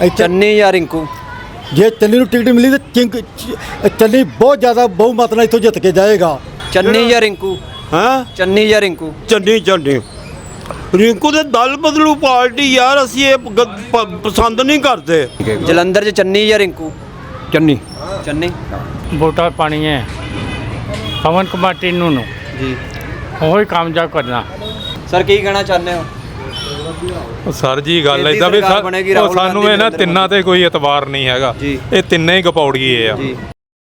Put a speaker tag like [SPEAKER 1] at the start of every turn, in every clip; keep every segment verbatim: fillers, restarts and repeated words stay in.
[SPEAKER 1] ਚੰਨੀ ਜਾਂ ਰਿੰਕੂ?
[SPEAKER 2] ਜੇ ਚੰਨੀ ਨੂੰ ਟਿਕਟ ਮਿਲੀ ਤਾਂ ਚਿੰਕ ਚੰਨੀ ਬਹੁਤ ਜ਼ਿਆਦਾ ਬਹੁਮਤ ਨਾਲ ਇੱਥੋਂ ਜਿੱਤ ਕੇ ਜਾਏਗਾ।
[SPEAKER 1] ਚੰਨੀ ਜਾਂ ਰਿੰਕੂ?
[SPEAKER 3] ਹਾਂ
[SPEAKER 1] ਚੰਨੀ ਜਾਂ ਰਿੰਕੂ?
[SPEAKER 3] ਚੰਨੀ ਚੰਨੀ ਰਿੰਕੂ ਦੇ ਦਲ ਬਦਲੂ ਪਾਰਟੀ ਯਾਰ, ਅਸੀਂ ਇਹ ਗ- ਪ- ਪਸੰਦ ਨਹੀਂ ਕਰਦੇ।
[SPEAKER 1] ਜਲੰਧਰ 'ਚ ਚੰਨੀ ਜਾਂ ਰਿੰਕੂ?
[SPEAKER 4] ਚੰਨੀ
[SPEAKER 1] ਚੰਨੀ।
[SPEAKER 4] ਵੋਟਾਂ ਪਾਣੀਆਂ ਪਵਨ ਕੁਮਾਰ ਟੀਨੂ ਨੂੰ,
[SPEAKER 1] ਜੀ
[SPEAKER 4] ਉਹੀ ਕਾਮਯਾਬ ਕਰਨਾ।
[SPEAKER 1] ਸਰ ਕੀ ਕਹਿਣਾ ਚਾਹੁੰਦੇ ਹੋ?
[SPEAKER 5] ਸਰ ਜੀ ਗੱਲ
[SPEAKER 1] ਕੇਂद्रीय
[SPEAKER 5] ਇਦਾਂ ਵੀ
[SPEAKER 1] ਸਰਕਾਰ ਬਣੇਗੀ,
[SPEAKER 5] ਉਹ
[SPEAKER 1] ਰਾਹੁਲ
[SPEAKER 5] ਸਾਨੂੰ
[SPEAKER 1] ਗਾਂਧੀ,
[SPEAKER 5] ਇਹਨਾਂ
[SPEAKER 1] ਨਰਿੰਦਰ
[SPEAKER 5] ਤਿੰਨਾਂ ਤੇ ਕੋਈ ਇਤਬਾਰ ਨਹੀਂ ਹੈਗਾ।
[SPEAKER 1] ਜੀ।
[SPEAKER 5] ਇਹ ਤਿੰਨੇ ਹੀ ਗਪੌੜੀਏ ਆ।
[SPEAKER 1] ਜੀ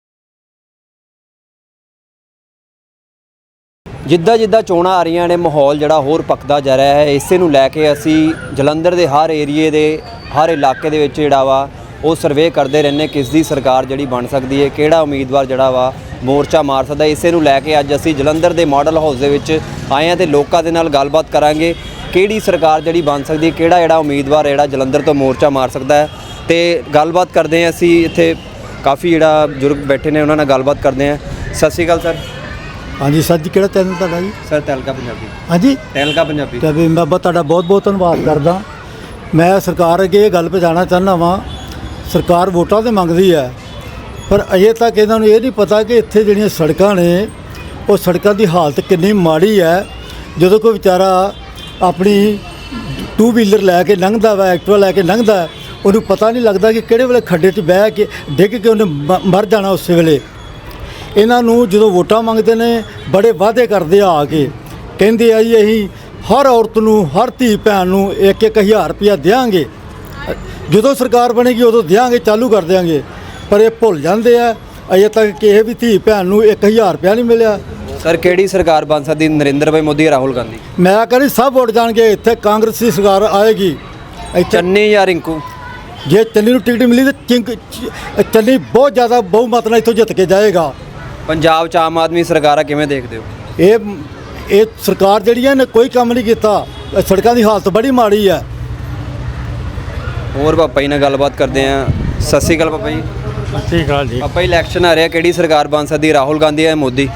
[SPEAKER 1] ਜਿੱਦਾਂ ਜਿੱਦਾਂ ਚੋਣਾਂ ਆ ਰਹੀਆਂ ਨੇ, ਮਾਹੌਲ ਜਿਹੜਾ ਹੋਰ ਪੱਕਦਾ ਜਾ ਰਿਹਾ ਹੈ। ਇਸੇ ਨੂੰ ਲੈ ਕੇ ਅਸੀਂ ਜਲੰਧਰ ਦੇ ਹਰ ਏਰੀਏ ਦੇ ਹਰ ਇਲਾਕੇ ਦੇ ਵਿੱਚ ਜਿਹੜਾ ਵਾ ਉਹ ਸਰਵੇ ਕਰਦੇ ਰਹਿੰਦੇ, ਕਿਸ ਦੀ ਸਰਕਾਰ ਜਿਹੜੀ ਬਣ ਸਕਦੀ ਹੈ, ਕਿਹੜਾ ਉਮੀਦਵਾਰ ਜਿਹੜਾ ਵਾ ਮੋਰਚਾ ਮਾਰ ਸਕਦਾ। ਇਸੇ ਨੂੰ ਲੈ ਕੇ ਅੱਜ ਅਸੀਂ ਜਲੰਧਰ ਦੇ ਮਾਡਲ ਹਾਊਸ ਦੇ ਵਿੱਚ ਆਏ ਹਾਂ ਤੇ ਲੋਕਾਂ ਦੇ ਨਾਲ ਗੱਲਬਾਤ ਕਰਾਂਗੇ, ਕਿਹੜੀ ਸਰਕਾਰ ਜਿਹੜੀ ਬਣ ਸਕਦੀ, ਕਿਹੜਾ ਜਿਹੜਾ ਉਮੀਦਵਾਰ ਜਿਹੜਾ ਜਲੰਧਰ ਤੋਂ ਮੋਰਚਾ ਮਾਰ ਸਕਦਾ ਹੈ। ਤੇ ਗੱਲਬਾਤ ਕਰਦੇ ਹਾਂ ਅਸੀਂ, ਇੱਥੇ ਕਾਫੀ ਜਿਹੜਾ ਬਜ਼ੁਰਗ ਬੈਠੇ ਨੇ ਉਹਨਾਂ ਨਾਲ ਗੱਲਬਾਤ ਕਰਦੇ ਹਾਂ। ਸਤਿ ਸ਼੍ਰੀ ਅਕਾਲ ਸਰ।
[SPEAKER 2] ਹਾਂਜੀ ਸਰ ਜੀ, ਕਿਹੜਾ ਚੈਨਲ ਤੁਹਾਡਾ ਜੀ?
[SPEAKER 1] ਸਰ ਤਹਿਲਕਾ ਪੰਜਾਬੀ।
[SPEAKER 2] ਹਾਂਜੀ
[SPEAKER 1] ਤਹਿਲਕਾ ਪੰਜਾਬੀ।
[SPEAKER 2] ਤੇ ਵੀ ਮੈਂ ਬ- ਤੁਹਾਡਾ ਬਹੁਤ ਬਹੁਤ ਧੰਨਵਾਦ ਕਰਦਾ। ਮੈਂ ਸਰਕਾਰ ਅੱਗੇ ਇਹ ਗੱਲ ਪਹੁੰਚਾਉਣਾ ਚਾਹੁੰਦਾ ਵਾਂ, ਸਰਕਾਰ ਵੋਟਾਂ ਤੇ ਮੰਗਦੀ ਹੈ, ਪਰ ਅਜੇ ਤੱਕ ਇਹਨਾਂ ਨੂੰ ਇਹ ਨਹੀਂ ਪਤਾ ਕਿ ਇੱਥੇ ਜਿਹੜੀਆਂ ਸੜਕਾਂ ਨੇ ਉਹ ਸੜਕਾਂ ਦੀ ਹਾਲਤ ਕਿੰਨੀ ਮਾੜੀ ਹੈ। ਜਦੋਂ ਕੋਈ ਵਿਚਾਰਾ ਆਪਣੀ ਟੂ ਵੀਲਰ ਲੈ ਕੇ ਲੰਘਦਾ ਵਾ, ਐਕਟਿਵਾ ਲੈ ਕੇ ਲੰਘਦਾ, ਉਹਨੂੰ ਪਤਾ ਨਹੀਂ ਲੱਗਦਾ ਕਿ ਕਿਹੜੇ ਵੇਲੇ ਖੱਡੇ 'ਚ ਬਹਿ ਕੇ ਡਿੱਗ ਕੇ ਉਹਨੇ ਮ- ਮਰ ਜਾਣਾ ਉਸੇ ਵੇਲੇ। ਇਹਨਾਂ ਨੂੰ ਜਦੋਂ ਵੋਟਾਂ ਮੰਗਦੇ ਨੇ ਬੜੇ ਵਾਅਦੇ ਕਰਦੇ ਆ ਕੇ, ਕਹਿੰਦੇ ਆ ਜੀ ਅਸੀਂ ਹਰ ਔਰਤ ਨੂੰ, ਹਰ ਧੀ ਭੈਣ ਨੂੰ ਇੱਕ ਇੱਕ ਹਜ਼ਾਰ ਰੁਪਇਆ ਦਿਆਂਗੇ, ਜਦੋਂ ਸਰਕਾਰ ਬਣੇਗੀ ਉਦੋਂ ਦਿਆਂਗੇ, ਚਾਲੂ ਕਰ ਦਿਆਂਗੇ। ਪਰ ਇਹ ਭੁੱਲ ਜਾਂਦੇ ਆ, ਅਜੇ ਤੱਕ ਕਿਸੇ ਵੀ ਧੀ ਭੈਣ ਨੂੰ ਇੱਕ ਹਜ਼ਾਰ ਰੁਪਇਆ ਨਹੀਂ ਮਿਲਿਆ।
[SPEAKER 1] ਸਰ ਕਿਹੜੀ ਸਰਕਾਰ ਬਣ ਸਕਦੀ, ਨਰਿੰਦਰ ਭਾਈ ਮੋਦੀ ਜਾਂ ਰਾਹੁਲ ਗਾਂਧੀ?
[SPEAKER 2] ਮੈਂ ਕਹਿੰਦੀ ਸਭ ਵੋਟ ਜਾਣਗੇ, ਇੱਥੇ ਕਾਂਗਰਸ ਦੀ ਸਰਕਾਰ ਆਏਗੀ। ਇੱਥੇ
[SPEAKER 1] ਚੰਨੀ ਜਾਂ ਰਿੰਕੂ?
[SPEAKER 2] ਜੇ ਚੰਨੀ ਨੂੰ ਟਿਕਟ ਮਿਲੀ ਤਾਂ ਚਿੰਕ ਚੰਨੀ ਬਹੁਤ ਜ਼ਿਆਦਾ ਬਹੁਮਤ ਨਾਲ ਇੱਥੋਂ ਜਿੱਤ ਕੇ ਜਾਏਗਾ।
[SPEAKER 1] ਪੰਜਾਬ 'ਚ ਆਮ ਆਦਮੀ ਸਰਕਾਰ ਆ, ਕਿਵੇਂ ਦੇਖਦੇ ਹੋ?
[SPEAKER 2] ਇਹ ਇਹ ਸਰਕਾਰ ਜਿਹੜੀ ਹੈ ਨੇ ਕੋਈ ਕੰਮ ਨਹੀਂ ਕੀਤਾ, ਇਹ ਸੜਕਾਂ ਦੀ ਹਾਲਤ ਬੜੀ ਮਾੜੀ ਹੈ।
[SPEAKER 1] ਹੋਰ ਪਾਪਾ ਜੀ ਨਾਲ ਗੱਲਬਾਤ ਕਰਦੇ ਆ। ਸਤਿ ਸ਼੍ਰੀ ਅਕਾਲ ਪਾਪਾ ਜੀ।
[SPEAKER 4] ਸਤਿ ਸ਼੍ਰੀ ਅਕਾਲ ਜੀ।
[SPEAKER 1] ਪਾਪਾ ਜੀ ਇਲੈਕਸ਼ਨ ਆ ਰਿਹਾ, ਕਿਹੜੀ ਸਰਕਾਰ ਬਣ ਸਕਦੀ, ਰਾਹੁਲ ਗਾਂਧੀ ਜਾਂ ਮੋਦੀ?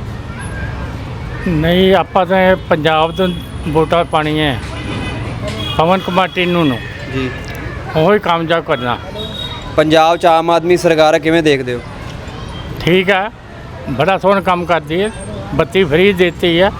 [SPEAKER 4] ਨਹੀਂ, ਆਪਾਂ ਤਾਂ ਇਹ ਪੰਜਾਬ ਤੋਂ ਵੋਟਾਂ ਪਾਣੀਆਂ ਪਵਨ ਕੁਮਾਰ ਟੀਨੂ ਨੂੰ,
[SPEAKER 1] ਜੀ।
[SPEAKER 4] ਉਹੀ ਕਾਮਯਾਬ ਕਰਨਾ।
[SPEAKER 1] ਪੰਜਾਬ 'ਚ ਆਮ ਆਦਮੀ ਸਰਕਾਰ ਆ, ਕਿਵੇਂ ਦੇਖਦੇ ਹੋ?
[SPEAKER 4] ਠੀਕ ਹੈ, ਬੜਾ ਸੋਹਣਾ ਕੰਮ ਕਰਦੀ ਹੈ, ਬੱਤੀ ਫਰੀ ਦੇਤੀ ਹੈ,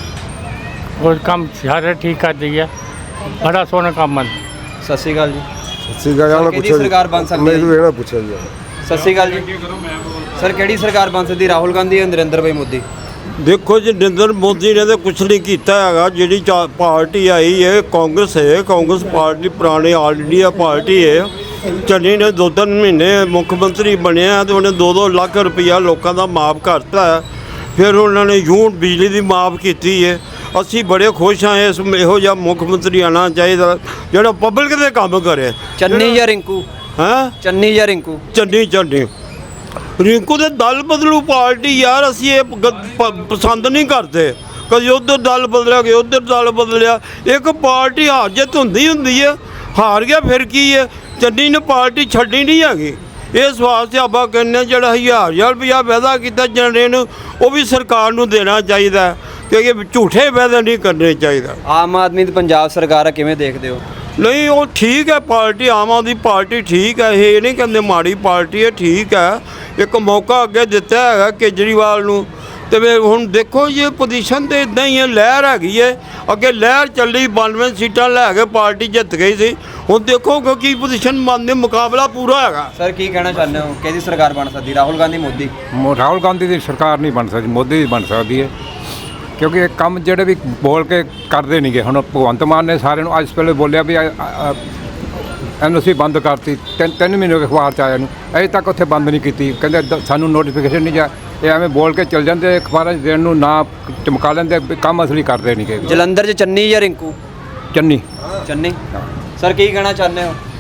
[SPEAKER 4] ਉਹ ਕੰਮ ਸਾਰੇ ਠੀਕ ਕਰਦੀ ਹੈ, ਬੜਾ ਸੋਹਣਾ ਕੰਮ ਹੈ।
[SPEAKER 1] ਸਤਿ ਸ਼੍ਰੀ ਅਕਾਲ ਜੀ।
[SPEAKER 6] ਠੀਕ ਹੈ,
[SPEAKER 1] ਸਰ, ਕਿਹੜੀ ਸਰਕਾਰ ਬਣ ਸਕਦੀ ਹੈ?
[SPEAKER 6] ਮੈਨੂੰ ਇਹਦਾ ਪੁੱਛਿਆ ਜੀ।
[SPEAKER 1] ਸਤਿ ਸ਼੍ਰੀ ਅਕਾਲ ਜੀ। ਸਰ ਕਿਹੜੀ ਸਰਕਾਰ ਬਣ ਸਕਦੀ, ਰਾਹੁਲ ਗਾਂਧੀ ਜਾਂ ਨਰਿੰਦਰ ਭਾਈ ਮੋਦੀ?
[SPEAKER 3] ਦੇਖੋ ਜੀ, ਨਰਿੰਦਰ ਮੋਦੀ ਨੇ ਤਾਂ ਕੁਛ ਨਹੀਂ ਕੀਤਾ ਹੈਗਾ। ਜਿਹੜੀ ਚਾ- ਪਾਰਟੀ ਆਈ ਹੈ ਕਾਂਗਰਸ ਹੈ, ਕਾਂਗਰਸ ਪਾਰਟੀ ਪੁਰਾਣੀ ਆਲ ਇੰਡੀਆ ਪਾਰਟੀ ਹੈ। ਚੰਨੀ ਨੇ ਦੋ ਤਿੰਨ ਮਹੀਨੇ ਮੁੱਖ ਮੰਤਰੀ ਬਣਿਆ ਤੇ ਉਹਨੇ ਦੋ ਦੋ ਲੱਖ ਰੁਪਈਆ ਲੋਕਾਂ ਦਾ ਮਾਫ ਕਰਤਾ ਹੈ। ਫਿਰ ਉਹਨਾਂ ਨੇ ਯੂਨਿਟ ਬਿਜਲੀ ਦੀ ਮਾਫ ਕੀਤੀ ਹੈ। ਅਸੀਂ ਬੜੇ ਖੁਸ਼ ਹਾਂ, ਇਸ ਇਹੋ ਜਿਹਾ ਮੁੱਖ ਮੰਤਰੀ ਆਉਣਾ ਚਾਹੀਦਾ ਜਿਹੜਾ ਪਬਲਿਕ ਦੇ ਕੰਮ ਕਰੇ।
[SPEAKER 1] ਚੰਨੀ ਜਾਂ ਰਿੰਕੂ?
[SPEAKER 3] ਹੈਂ
[SPEAKER 1] ਚੰਨੀ ਜਾਂ ਰਿੰਕੂ?
[SPEAKER 3] ਚੰਨੀ ਚੰਨੀ ਰਿੰਕੂ ਦੇ ਦਲ ਬਦਲੂ ਪਾਰਟੀ ਯਾਰ, ਅਸੀਂ ਇਹ ਗ- ਪ- ਪਸੰਦ ਨਹੀਂ ਕਰਦੇ। ਕਦੀ ਉੱਧਰ ਦਲ ਬਦਲਿਆ, ਕਦੀ ਉੱਧਰ ਦਲ ਬਦਲਿਆ। ਇੱਕ ਪਾਰਟੀ ਹਾਰ ਜਿੱਤ ਹੁੰਦੀ ਹੁੰਦੀ ਹੈ, ਹਾਰ ਗਿਆ ਫਿਰ ਕੀ ਹੈ। ਚੰਨੀ ਨੇ ਪਾਰਟੀ ਛੱਡੀ ਨਹੀਂ ਹੈਗੀ। ਇਸ ਵਾਸਤੇ ਆਪਾਂ ਕਹਿੰਦੇ ਜਿਹੜਾ ਹਜ਼ਾਰ ਹਜ਼ਾਰ ਰੁਪਇਆ ਵਾਅਦਾ ਕੀਤਾ ਜਨਰੇ ਨੂੰ, ਉਹ ਵੀ ਸਰਕਾਰ ਨੂੰ ਦੇਣਾ ਚਾਹੀਦਾ, ਕਿਉਂਕਿ ਝੂਠੇ ਵਾਅਦੇ ਨਹੀਂ ਕਰਨੇ ਚਾਹੀਦਾ।
[SPEAKER 1] ਆਮ ਆਦਮੀ ਦੀ ਪੰਜਾਬ ਸਰਕਾਰ ਆ, ਕਿਵੇਂ ਦੇਖਦੇ ਹੋ?
[SPEAKER 3] ਨਹੀਂ, ਉਹ ਠੀਕ ਹੈ ਪਾਰਟੀ, ਆਮ ਆਦਮੀ ਪਾਰਟੀ ਠੀਕ ਹੈ। ਇਹ ਨਹੀਂ ਕਹਿੰਦੇ ਮਾੜੀ ਪਾਰਟੀ ਹੈ, ਠੀਕ ਹੈ। ਇੱਕ ਮੌਕਾ ਅੱਗੇ ਦਿੱਤਾ ਹੈਗਾ ਕੇਜਰੀਵਾਲ ਨੂੰ, ਤੇ ਫਿਰ ਹੁਣ ਦੇਖੋ ਇਹ ਪੋਜੀਸ਼ਨ ਤੇ ਇਦਾਂ ਹੀ ਹੈ, ਲਹਿਰ ਹੈਗੀ ਹੈ। ਅੱਗੇ ਲਹਿਰ ਚੱਲੀ, ਬਾਨਵੇਂ ਸੀਟਾਂ ਲੈ ਕੇ ਪਾਰਟੀ ਜਿੱਤ ਗਈ ਸੀ। ਹੁਣ ਦੇਖੋ ਕਿ ਕੀ ਪੋਜੀਸ਼ਨ ਮੰਨਦੇ, ਮੁਕਾਬਲਾ ਪੂਰਾ ਹੈਗਾ।
[SPEAKER 1] ਸਰ ਕੀ ਕਹਿਣਾ ਚਾਹੁੰਦੇ ਹੋ, ਕਿਹਦੀ ਸਰਕਾਰ ਬਣ ਸਕਦੀ, ਰਾਹੁਲ ਗਾਂਧੀ ਮੋਦੀ?
[SPEAKER 7] ਮੋ ਰਾਹੁਲ ਗਾਂਧੀ ਦੀ ਸਰਕਾਰ ਨਹੀਂ ਬਣ ਸਕਦੀ, ਮੋਦੀ ਦੀ ਬਣ ਸਕਦੀ ਹੈ। ਕਿਉਂਕਿ ਇਹ ਕੰਮ ਜਿਹੜੇ ਵੀ ਬੋਲ ਕੇ ਕਰਦੇ ਨਹੀਂਗੇ। ਹੁਣ ਭਗਵੰਤ ਮਾਨ ਨੇ ਸਾਰਿਆਂ ਨੂੰ ਅੱਜ ਪਹਿਲੇ ਬੋਲਿਆ ਵੀ ਐਨ ਓ ਸੀ ਬੰਦ ਕਰਤੀ, ਤਿੰਨ ਤਿੰਨ ਮਹੀਨੇ ਹੋ ਗਏ ਅਖਬਾਰ 'ਚ ਆਇਆ ਨੂੰ, ਅਜੇ ਤੱਕ ਉੱਥੇ ਬੰਦ ਨਹੀਂ ਕੀਤੀ। ਕਹਿੰਦੇ ਦ- ਸਾਨੂੰ ਨੋਟੀਫਿਕੇਸ਼ਨ ਨਹੀਂ ਜਾ, ਇਹ ਐਵੇਂ ਬੋਲ ਕੇ ਚੱਲ ਜਾਂਦੇ, ਅਖਬਾਰਾਂ 'ਚ ਦੇਣ ਨੂੰ ਨਾ ਚਮਕਾ ਲੈਂਦੇ, ਵੀ ਕੰਮ ਅਸਲੀ ਕਰਦੇ ਨਹੀਂਗੇ।
[SPEAKER 1] ਜਲੰਧਰ 'ਚ ਚੰਨੀ ਜਾਂ ਰਿੰਕੂ?
[SPEAKER 7] ਚੰਨੀ
[SPEAKER 1] ਚੰਨੀ। ਸਰ ਕੀ ਕਹਿਣਾ ਚਾਹੁੰਦੇ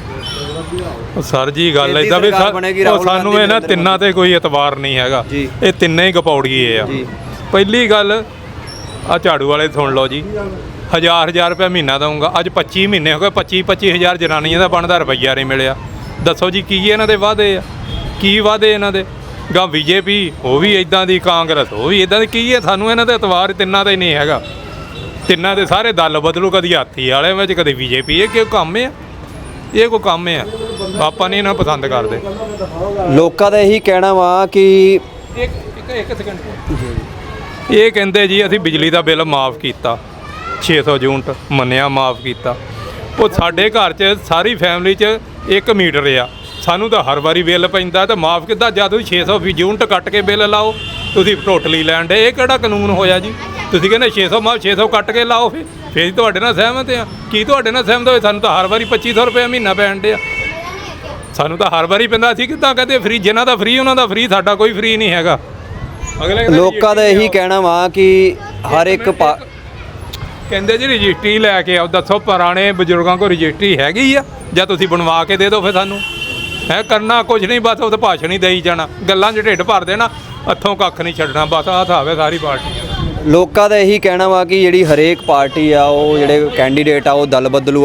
[SPEAKER 1] ਹੋ?
[SPEAKER 5] ਸਰ ਜੀ ਗੱਲ
[SPEAKER 1] ਕੇਂद्रीय
[SPEAKER 5] ਇਦਾਂ ਵੀ
[SPEAKER 1] ਸਰਕਾਰ
[SPEAKER 5] ਸਾ-
[SPEAKER 1] ਬਣੇਗੀ,
[SPEAKER 5] ਉਹ
[SPEAKER 1] ਰਾਹੁਲ
[SPEAKER 5] ਸਾਨੂੰ
[SPEAKER 1] ਗਾਂਧੀ,
[SPEAKER 5] ਇਹਨਾਂ
[SPEAKER 1] ਨਰਿੰਦਰ
[SPEAKER 5] ਤਿੰਨਾਂ ਤੇ ਕੋਈ ਇਤਬਾਰ ਨਹੀਂ ਹੈਗਾ।
[SPEAKER 1] ਜੀ।
[SPEAKER 5] ਇਹ ਤਿੰਨੇ ਹੀ ਗਪੌੜੀਏ ਆ।
[SPEAKER 1] ਜੀ।
[SPEAKER 5] ਪਹਿਲੀ ਗੱਲ, ਆ ਝਾੜੂ ਵਾਲੇ ਸੁਣ ਲਓ ਜੀ, ਹਜ਼ਾਰ ਹਜ਼ਾਰ ਰੁਪਏ ਮਹੀਨਾ ਦਊਂਗਾ। ਅੱਜ ਪੱਚੀ ਮਹੀਨੇ ਹੋ ਗਏ, ਪੱਚੀ ਪੱਚੀ ਹਜ਼ਾਰ ਜਨਾਨੀਆਂ ਦਾ ਬਣਦਾ ਰੁਪਈਆ ਨਹੀਂ ਮਿਲਿਆ। ਦੱਸੋ ਜੀ ਕੀ ਇਹਨਾਂ ਦੇ ਵਾਅਦੇ ਆ, ਕੀ ਵਾਅਦੇ ਇਹਨਾਂ ਦੇ? ਗਾ ਬੀਜੇਪੀ ਉਹ ਵੀ ਇਦਾਂ ਦੀ, ਕਾਂਗਰਸ ਉਹ ਵੀ ਇਦਾਂ ਦੀ। ਕੀ ਹੈ, ਸਾਨੂੰ ਇਹਨਾਂ ਦਾ ਇਤਬਾਰ ਤਿੰਨਾਂ ਦਾ ਹੀ ਨਹੀਂ ਹੈਗਾ। ਤਿੰਨਾਂ ਦੇ ਸਾਰੇ ਦਲ ਬਦਲੂ, ਕਦੀ ਹਾਥੀ ਵਾਲੇ ਵਿੱਚ, ਕਦੀ ਬੀਜੇਪੀ। ਇਹ ਕਿਉਂ ਕੰਮ ਆ? ਇਹ ਕੋਈ ਕੰਮ ਆ? ਆਪਾਂ ਨਹੀਂ ਇਹਨਾਂ ਨੂੰ ਪਸੰਦ ਕਰਦੇ।
[SPEAKER 1] ਲੋਕਾਂ ਦਾ ਇਹੀ ਕਹਿਣਾ ਵਾ ਕਿ
[SPEAKER 5] ਇੱਕ ਇੱਕ ਇੱਕ ਸੈਕਿੰਡ ਇਹ ਕਹਿੰਦੇ ਜੀ ਅਸੀਂ ਬਿਜਲੀ ਦਾ ਬਿੱਲ ਮਾਫ ਕੀਤਾ ਛੇ ਸੌ ਯੂਨਿਟ ਮੰਨਿਆ ਮਾਫ ਕੀਤਾ। ਉਹ ਸਾਡੇ ਘਰ 'ਚ ਸਾਰੀ ਫੈਮਿਲੀ 'ਚ ਇੱਕ ਮੀਟਰ ਆ, ਸਾਨੂੰ ਤਾਂ ਹਰ ਵਾਰੀ ਬਿੱਲ ਪੈਂਦਾ ਤਾਂ ਮਾਫ ਕਿੱਦਾਂ? ਜਦ ਤੁਸੀਂ ਛੇ ਸੌ ਯੂਨਿਟ ਕੱਟ ਕੇ ਬਿੱਲ ਲਾਓ, ਤੁਸੀਂ ਟੋਟਲੀ ਲੈਣ ਦੇ। ਇਹ ਕਿਹੜਾ ਕਾਨੂੰਨ ਹੋਇਆ ਜੀ? ਤੁਸੀਂ ਕਹਿੰਦੇ ਛੇ ਸੌ ਮਾਫ ਛੇ ਸੌ ਕੱਟ ਕੇ ਲਾਓ, ਫਿਰ ਫਿਰ ਤੁਹਾਡੇ ਨਾਲ ਸਹਿਮਤ ਆ। ਕੀ ਤੁਹਾਡੇ ਨਾਲ ਸਹਿਮਤ ਹੋਏ? ਸਾਨੂੰ ਤਾਂ ਹਰ ਵਾਰੀ ਪੱਚੀ ਸੌ ਰੁਪਏ ਮਹੀਨਾ ਪੈਣ ਡਿਆ, ਸਾਨੂੰ ਤਾਂ ਹਰ ਵਾਰੀ ਪੈਂਦਾ। ਅਸੀਂ ਕਿੱਦਾਂ ਕਹਦੇ ਫਰੀ? ਜਿਨ੍ਹਾਂ ਦਾ ਫਰੀ ਉਹਨਾਂ ਦਾ ਫਰੀ, ਸਾਡਾ ਕੋਈ ਫਰੀ ਨਹੀਂ ਹੈਗਾ। ਅਗਲੇ
[SPEAKER 1] ਲੋਕਾਂ ਦਾ ਇਹੀ ਕਹਿਣਾ ਵਾ ਕਿ ਹਰ ਇੱਕ ਪਾ-
[SPEAKER 5] ਕਹਿੰਦੇ ਜੀ ਰਜਿਸਟਰੀ ਲੈ ਕੇ ਆਓ। ਦੱਸੋ ਪੁਰਾਣੇ ਬਜ਼ੁਰਗਾਂ ਕੋਲ ਰਜਿਸਟਰੀ ਹੈਗੀ ਆ? ਜਾਂ ਤੁਸੀਂ ਬਣਵਾ ਕੇ ਦੇ ਦਿਓ ਫਿਰ ਸਾਨੂੰ। ਹੈ ਕਰਨਾ ਕੁਝ ਨਹੀਂ, ਬਸ ਉਹ ਤਾਂ ਭਾਸ਼ਣ ਹੀ ਦੇਈ ਜਾਣਾ, ਗੱਲਾਂ 'ਚ ਢਿੱਡ ਭਰ ਦੇਣਾ, ਹੱਥੋਂ ਕੱਖ ਨਹੀਂ ਛੱਡਣਾ। ਬਸ ਆਹ ਹਿਸਾਬ ਹੈ ਸਾਰੀ ਪਾਰਟੀ।
[SPEAKER 1] ਲੋਕਾਂ ਦਾ ਇਹੀ ਕਹਿਣਾ ਵਾ ਕਿ ਜਿਹੜੀ ਹਰੇਕ ਪਾਰਟੀ ਆ ਉਹ ਜਿਹੜੇ ਕੈਂਡੀਡੇਟ ਆ ਉਹ ਦਲ ਬਦਲੂ